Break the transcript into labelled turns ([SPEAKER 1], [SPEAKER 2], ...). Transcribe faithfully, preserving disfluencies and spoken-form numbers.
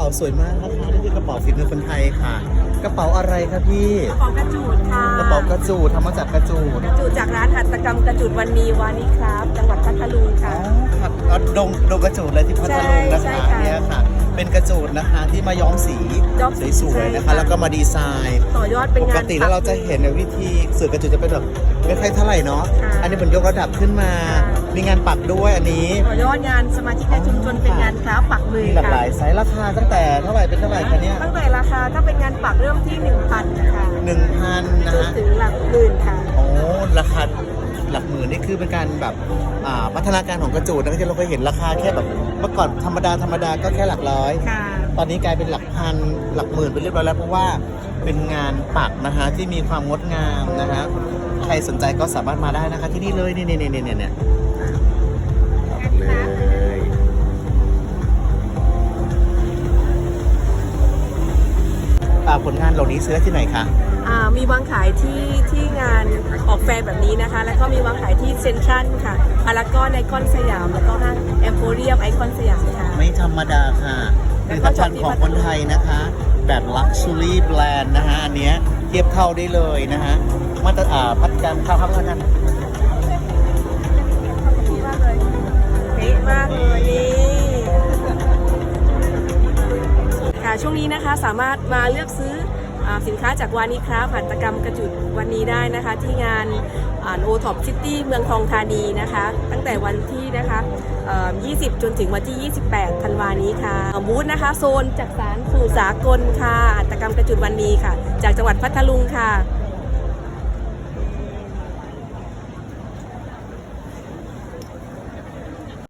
[SPEAKER 1] าสวยมากนะคะนี่คือกระเป๋าฝีมือคนไทยค่ะ กระเป๋าอะไรครับพี่
[SPEAKER 2] กระเป๋ากระจูดค่ะ
[SPEAKER 1] กระเป๋ากระจูดทำมาจากกระจูด
[SPEAKER 2] กระจูดจากร้านหัตถกรรมกระจูดวันนีวานิครับ จังหวัดพัทลุง
[SPEAKER 1] อ๋
[SPEAKER 2] ค่ะ
[SPEAKER 1] อครับแล้วดงดงกระจูดเลยที่พัทลุงนะ
[SPEAKER 2] ใช่
[SPEAKER 1] คะ
[SPEAKER 2] ใช่ค่ะ
[SPEAKER 1] เนี่ยค่ะ เป็นกระจูดนะคะที่มาย้อมสี
[SPEAKER 2] ย้อมสี
[SPEAKER 1] สวยๆนะ
[SPEAKER 2] ใช่
[SPEAKER 1] คะ
[SPEAKER 2] ค่ะ
[SPEAKER 1] แล้วก็มาดีไซน์
[SPEAKER 2] ต่อยอดเป็น
[SPEAKER 1] ป
[SPEAKER 2] งาน
[SPEAKER 1] กติแล้วเราจะเห็นในวิธีสื่อกระจุดจะเป็นแบบไม่ค่อยเท่าไหร่เนาะ
[SPEAKER 2] ค่ะ
[SPEAKER 1] อันนี้เป็นยกระดับขึ้นมา
[SPEAKER 2] ค่ะ
[SPEAKER 1] มีงานปักด้วยอันนี้
[SPEAKER 2] ต่อยอดงานสมาชิกในชุมชนเป็นงานคราฟต์ปักมือ
[SPEAKER 1] มีหลากห
[SPEAKER 2] ค่ะ
[SPEAKER 1] ลายไซส์ราคาตั้งแต่เท่าไหร่เป็นเท่าไหร่คะเนี่ย
[SPEAKER 2] ตั้งแต่ราคาถ้าเป็นงานปักเริ่มที่ หนึ่งพัน ค่ะ
[SPEAKER 1] หนึ่งพันนะ
[SPEAKER 2] จน
[SPEAKER 1] ฮะ
[SPEAKER 2] ถึงหลักหมื่นค่ะ
[SPEAKER 1] โอ้ราคาหลักหมื่นนี่คือเป็นการแบบอ่าพัฒนาการของกระจูดนะที่เราเคยเห็นราคาแค่แบบเมื่อก่อนธรรมดาธรรมดาก็แค่หลักร้อย
[SPEAKER 2] ค่ะ
[SPEAKER 1] ตอนนี้กลายเป็นหลักพันหลักหมื่นไปเรียบร้อยแล้วเพราะว่าเป็นงานปักนะฮะที่มีความงดงามนะฮะใครสนใจก็สามารถมาได้นะคะที่นี่เลยเนี่ยเนี่ยเนี่ยเนี่ยเนี่ยเอาเลยอ่าผลงานเหล่านี้ซื้อได้ที่ไหนคะ
[SPEAKER 2] อ่ามีวางขายที่ที่งานออกแฟร์แบบนี้นะคะ แล้วก็มีวางขายที่เซ็นทรัลค่ะพารากอนไอคอนสยาม แล้วก็ห้างแอมโพเรียมไอคอนสยามค่ะ
[SPEAKER 1] ไม่ธรรมดาค่ะผลิตภัณฑ์ของคนไทยนะคะ แบบ Luxury Brand นะฮะอันเนี้ยเทียบเท่าได้เลยนะฮะมาตรอ่าพัฒนาข้าวพัฒนา
[SPEAKER 2] เป๊ะมากเลยนี่ค่ะช่วงนี้นะคะสามารถมาเลือกซื้ออาสินค้าจากวานิคราฟต์หัตถกรรมกระจุดวันนี้ได้นะคะ ที่งานโอท็อปซิตี้เมืองทองธานีนะคะ ตั้งแต่วันที่นะคะเอ่อยี่สิบ จนถึงวันที่ ยี่สิบแปด ธันวานี้ค่ะบูธนะคะโซนจากสารสู่สากลค่ะหัตถกรรมกระจุดวันนี้ค่ะ จากจังหวัดพัทลุงค่ะ